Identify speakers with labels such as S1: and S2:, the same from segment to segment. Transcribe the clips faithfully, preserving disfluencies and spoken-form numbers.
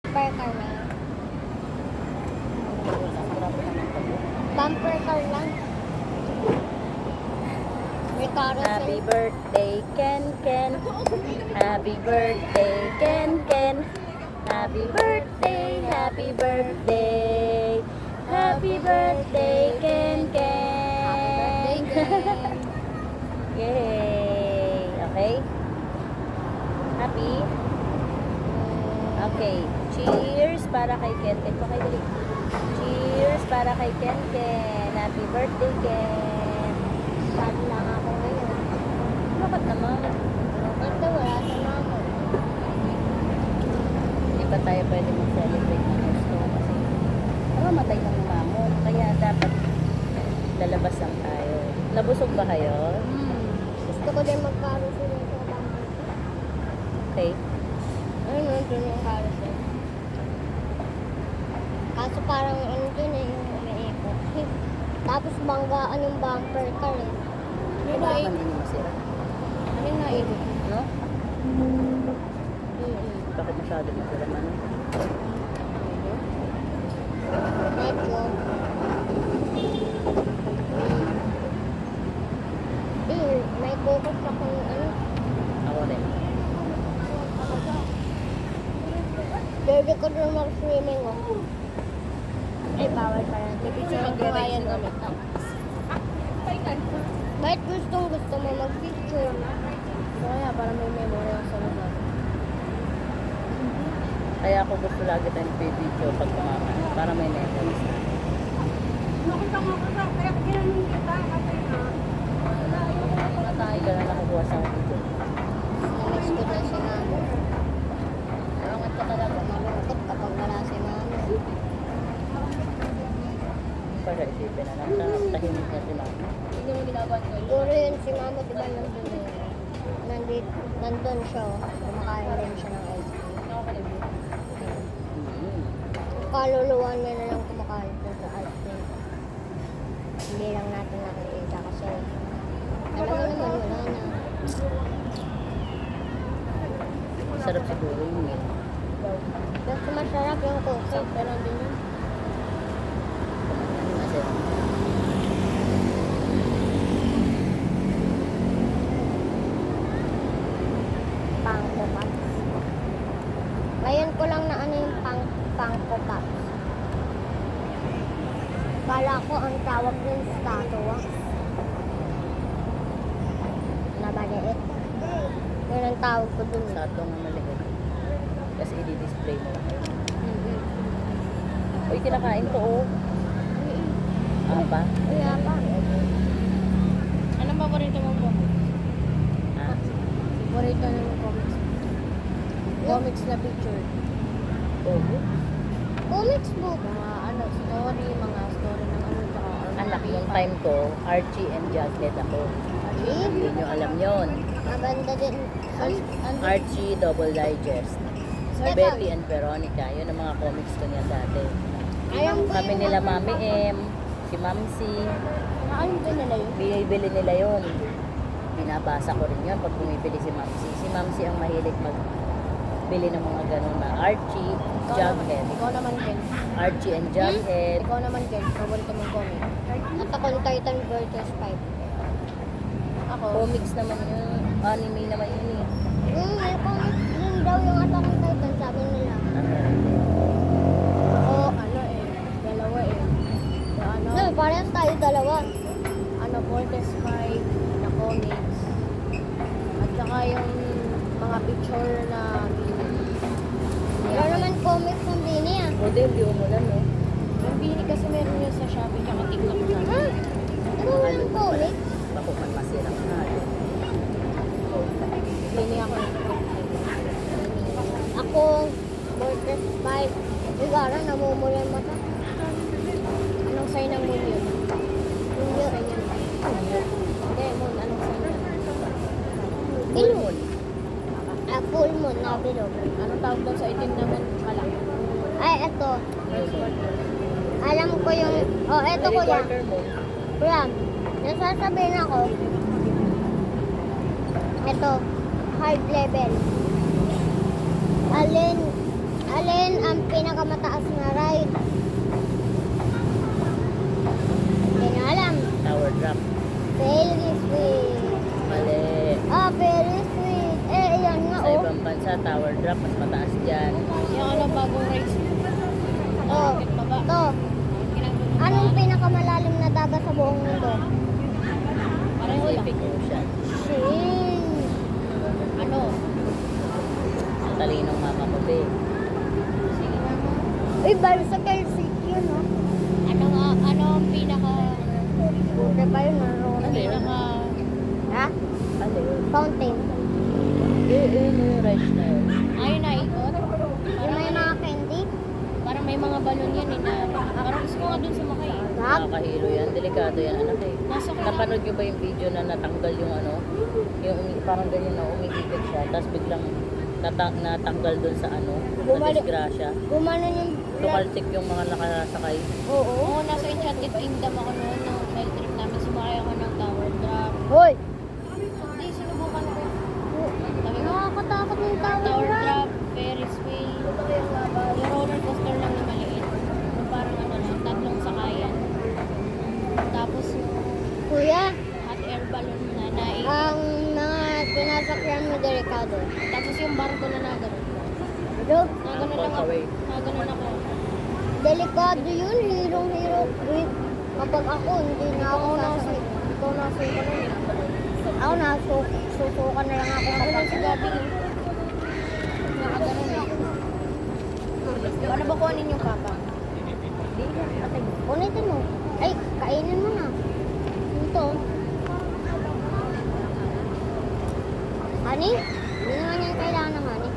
S1: Bumper car na yun. Bumper car lang. May carousel.
S2: Happy birthday, Ken Ken. Happy birthday, Ken Ken. Happy birthday, happy birthday. Happy birthday, Ken Ken. Yay! Okay? Happy? Okay. Cheers para kay Ken Ken. Okay, dali. Cheers para kay Ken Ken. Happy birthday, Ken.
S1: Sad lang ako ngayon.
S2: Bakit naman?
S1: Kasi wala sa mama.
S2: Hindi pa tayo pwede mag-celebrate ng gusto kasi namamatay ng mamon. Kaya dapat lalabas lang tayo. Nabusog ba kayo?
S1: Hmm. Gusto ko din mag-carousel sa bumper.
S2: Okay.
S1: Ayun, nandun yung carousel. Kaso parang ano dun eh, yung umiikot. Tapos banggaan yung bumper car eh.
S2: Ano ba kanina masira?
S1: Ano yung naikot?
S2: No?
S1: Mm-mm.
S2: Bakit masyado masira man?
S1: Medyo. Eh, may focus akong ano.
S2: Ako rin.
S1: Pwede ko doon mag-swimming oh. Ay, bawal pa yan. Picture mag-ride gamit ako. Bakit gustong gusto mo mag-picture? So, kaya para may memory ako sa lugar.
S2: Kaya ako gusto lagi tayong video pag kumakan para may memories na. Wala tayo ka na nakukuha sa video.
S1: Namiss ko na si mama.
S2: Angat ka talaga.
S1: Malungkot kapag wala si mama.
S2: Para isipin na lang. ta- Tahimik na si mama.
S1: Hindi mo ginagawa ko. Siguro yun si mama, di ba nandun yun? Nandito, nandun siya. oh. Kumakain din siya ng ice cream.
S2: Mm.
S1: Kaluluwa niya na lang kumakain po sa ice cream. Hindi lang natin nakikita kasi alam mo naman wala na.
S2: Sarap siguro yung meal.
S1: Mas masarap yung cookie. Pero din yun.
S2: Kasi
S1: Pangko Pops. Ngayon ko lang na ano yung pang Pangko Pops. Kala ko ang tawag din statua. Nabaliit. Yun ang tawag ko dun.
S2: sa atong maliit. Kasi i-display mo lang.
S1: Mm-hmm.
S2: Uy, kinakain ko oh. Apa?
S1: Kaya pa. Anong paborito mong comics?
S2: Ha?
S1: Paborito na mong comics? Comics na picture.
S2: Oh.
S1: Comics book.
S3: Mga ano, story, mga story ng ano, tsaka
S2: Anak, yung time ko, Archie and Jughead ako. Hindi nyo alam yon.
S1: Maganda din.
S2: Archie Double Digest.
S1: Teka.
S2: Betty and Veronica. Yun ang mga comics ko niya dati.
S1: Alam ko
S2: Kami
S1: yung
S2: nila
S1: mga-
S2: Mami M, si Mamsi.
S3: Ano din nila yun?
S2: Binibili nila yun. Binabasa ko rin yun pag bumibili si Mamsi. Si Mamsi ang mahilig magbili ng mga ganun na Archie,
S3: Ikaw naman,
S2: Jughead.
S3: ikaw naman, Ken.
S2: Archie and Jughead.
S3: Ikaw naman, Ken. Paborito mong comic.
S1: Attack on Titan versus five.
S3: Ako,
S2: Comics naman yun. Anime naman yun eh.
S1: Hmm, may comics din daw yung Attack on Titan, sabi nila.
S3: ako, ano eh, dalawa eh. So, ano,
S1: No, parehas tayo dalawa.
S3: ano, Fortress five na comics. At saka yung mga picture na
S1: Wala naman comics ng Bini ah.
S2: O din, di umulan no.
S3: yung bini kasi meron yun sa Shopee tsaka TikTok na.
S1: Ha? Ano walang comics?
S2: Bako man masirang na.
S3: Bini ako.
S1: Ako, Fortress five. Igara, namumula yung mata.
S3: Anong sign ng moon yun?
S1: Yung yun.
S3: Sign yun. Hindi, moon. Anong sign yun?
S1: Full moon. Ah, full moon na bilog.
S3: Anong tawag doon sa itim na moon? Pala.
S1: Ay, eto.
S3: First quarter.
S1: Alam ko yung... Oh, eto ko yan.
S2: Quarter mo.
S1: Kuya, nasasabihin ako. Ito, hard level. Alin, Alin ang pinakamataas na ride? Hindi na alam.
S2: Tower drop.
S1: Very sweet.
S2: Mali.
S1: Ah, very sweet. Eh, yan nga,
S2: Sa
S1: oh.
S2: ibang bansa, tower drop, mas mataas dyan.
S3: Yung ano, bagong race.
S1: Oh,
S3: Bakit baba?
S1: to.
S3: Ginagawa.
S1: Anong pinakamalalim na dagat sa buong mundo?
S3: Pareho lang.
S2: Pacific Ocean.
S1: Shin.
S3: Ano?
S2: Ang talinong mama mo, be.
S3: Sige na mo.
S1: Uy, bicycle seat yun, oh.
S3: Ano nga, ano ang pinaka,
S1: Buti pa yun, naroon.
S3: pinaka,
S1: Ha?
S2: Ano yun?
S1: Fountain.
S2: Eh, eh, ano yung rice na yun?
S3: ayun na ikot.
S1: Yung may mga candy.
S3: Parang may mga balon yan eh na, parang gusto ko nga dun sumakay eh.
S1: Wag.
S2: Nakakahilo yan. Delikado yan, anak eh.
S3: Nasa ka
S2: Napanood nyo ba yung video na natanggal yung ano? Yung umi- parang ganyan na umigipit siya. Tapos biglang nata- natanggal dun sa ano? Na
S1: Bumalik.
S2: disgrasya.
S1: Gumanon yung
S2: Tumalsik yung mga nakasakay.
S1: Oo.
S3: Oo, nasa Enchanted Kingdom ako noon, nung field trip namin, sumakay ako ng tower drop.
S1: Hoy!
S3: Hindi, sinubukan ko. Sabi ko,
S1: Nakakatakot yung tower
S3: tower
S1: drop.
S3: drop, Ferris wheel, yung roller coaster lang na maliit. Yung parang ano lang, tatlong sakayan. Tapos yung
S1: Kuya,
S3: hot air balloon na naik.
S1: ang mga sinasakyan mo de Ricardo.
S3: Tapos yung barko na nagano.
S1: Bro,
S3: Nagano lang ako.
S2: Away.
S3: Nagano ako.
S1: delikado yun. Hirong-hiro. Wait, kapag ako, hindi na ako
S3: Ako nasa,
S1: sasakit.
S3: ikaw nasa ka nun eh.
S1: Ako na, susukan na lang ako.
S3: Ako lang si Gabi eh. Nakagano eh. Paano ba kuhanin yung papa?
S1: Hindi na, patay mo. Punitin mo. Ay, kainin mo na. Ito. Honey? Hindi naman yan kailangan ng honey.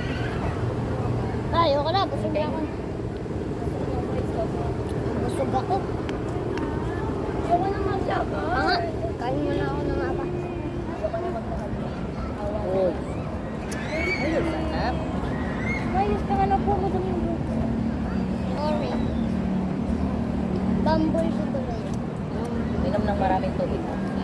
S1: Tayo ka na, busog na ako. Busog ako. Ayoko na mag-laba. Ah, nga. Kain mo na ako ng apa.
S2: Uy. Ayun, sanap.
S1: Ayos ka nga na po, madaming buko. Sorry. Bambol si Tuloy.
S2: Minom ng maraming tubig.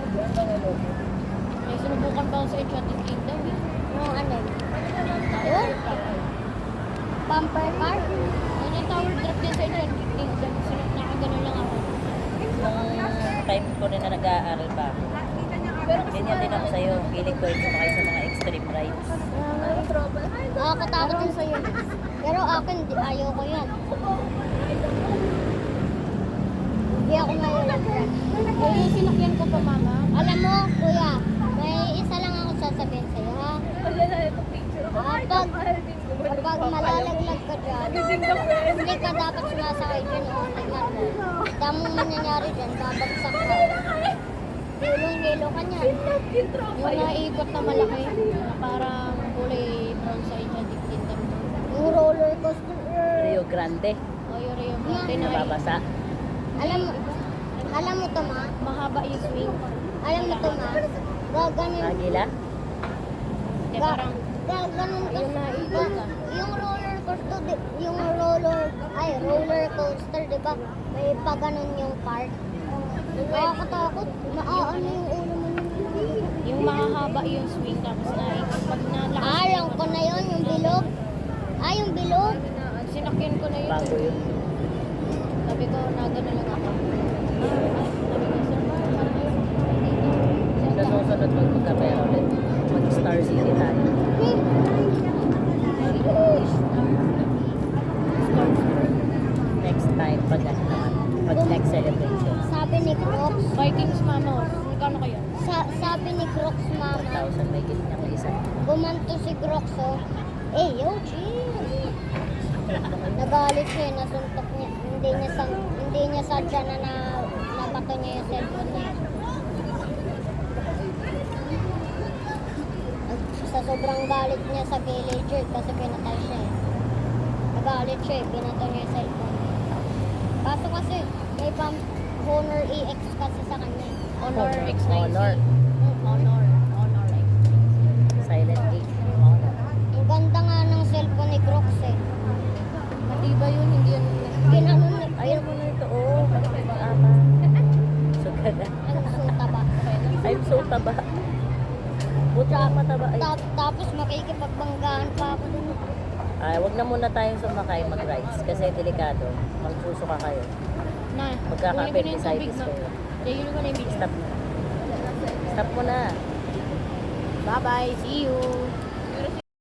S3: May sinubukan pa ako sa Enchanted Kingdom eh.
S1: Yung ano? Yun? Bumper car?
S3: Ano yung tower drop din sa Enchanted Kingdom? Sinap nakagano lang ako.
S2: Nung time ko rin na nag-aaral pa. Ganyan din ako sa'yo. Hilig ko yung sumakay sa mga extreme rides.
S1: Nakakatakot din sa'yo. Pero akin, di- ayaw ko yan. Hindi ako mahilig yan.
S3: Kaya yung sinakyan ko pa mama,
S1: Alam mo, kuya, may isa lang ako sasabihin sa'yo, ha? Kapag, kapag malalaglag ka dyan, hindi ka dapat sumasakay dyan, o tingnan mo. Damong mangyayari dyan, babagsak ka. Hilong-hilo ka niyan.
S3: yung naikot na malaki, na parang kulay brown sa Enchanted Kingdom.
S1: Yung roller coaster.
S2: Rio Grande.
S3: O yung Rio Grande na
S2: Nababasa.
S1: Alam mo, alam mo to, ma?
S3: mahaba yung swing.
S1: Alam mo to, ma? Gaganon.
S2: Agila.
S3: Hindi
S1: Ga,
S3: parang
S1: gaganon ka.
S3: yung naikot ka.
S1: Yung roller coaster, di, yung roller, ay, roller coaster, di ba? May paganon yung part. Nakakatakot. Maaano yung ulo mo.
S3: Yung mahahaba yung swing tapos naikot. Pag nalakas
S1: Ah, alam ko na yun, yung bilog. Ah, yung bilog.
S3: sinakyan ko na yun.
S2: Bago yun.
S3: Sabi ko, nagano lang ako. Sabi ko, sir, parang ayun.
S2: Sa susunod magpagkapera ulit. Mag-Star City tayo.
S1: Hmm.
S2: Next time, pag ano naman. Pag next celebration.
S1: Sabi ni Crocs,
S3: Vikings mama, magkano kayo?
S1: sa, sabi ni Crocs
S2: one
S1: mama,
S2: thousand may git niya isa.
S1: gumanto si Crocs, oh. Eh, yo, chill. Nagalit siya, eh, nasuntok niya. Hindi niya, sa, hindi niya sadya na, na nabato niya yung cellphone niya. At sa sobrang galit niya sa villager kasi pinatay siya eh. Nagalit siya eh, pinato niya yung cellphone niya. Kaso kasi, may pang Honor E X kasi sa kanya. eh.
S3: Honor
S2: Honor.
S3: X ninety.
S2: Honor.
S3: Honor. Honor X ninety.
S2: Silent Gate. Honor.
S1: Ang ganda nga ng cellphone ni Crocs eh.
S3: Matibay yun, hindi yun.
S1: Ginanon ni
S2: Ayaw mo na ito. Oh, bakit ama? Sugada.
S1: ang suta ba?
S2: I'm so taba. Buti ang mataba. Ay,
S1: Ta- tapos makikipagbanggaan pa ako dun.
S2: Ah, wag na muna tayong sumakay mag-rides kasi delikado. Magsusuka kayo.
S3: Na,
S2: Magkaka-appendicitis
S3: na.
S2: kayo.
S3: Tigil ko na yung video.
S2: Stop. Stop mo na.
S3: Bye-bye. See you.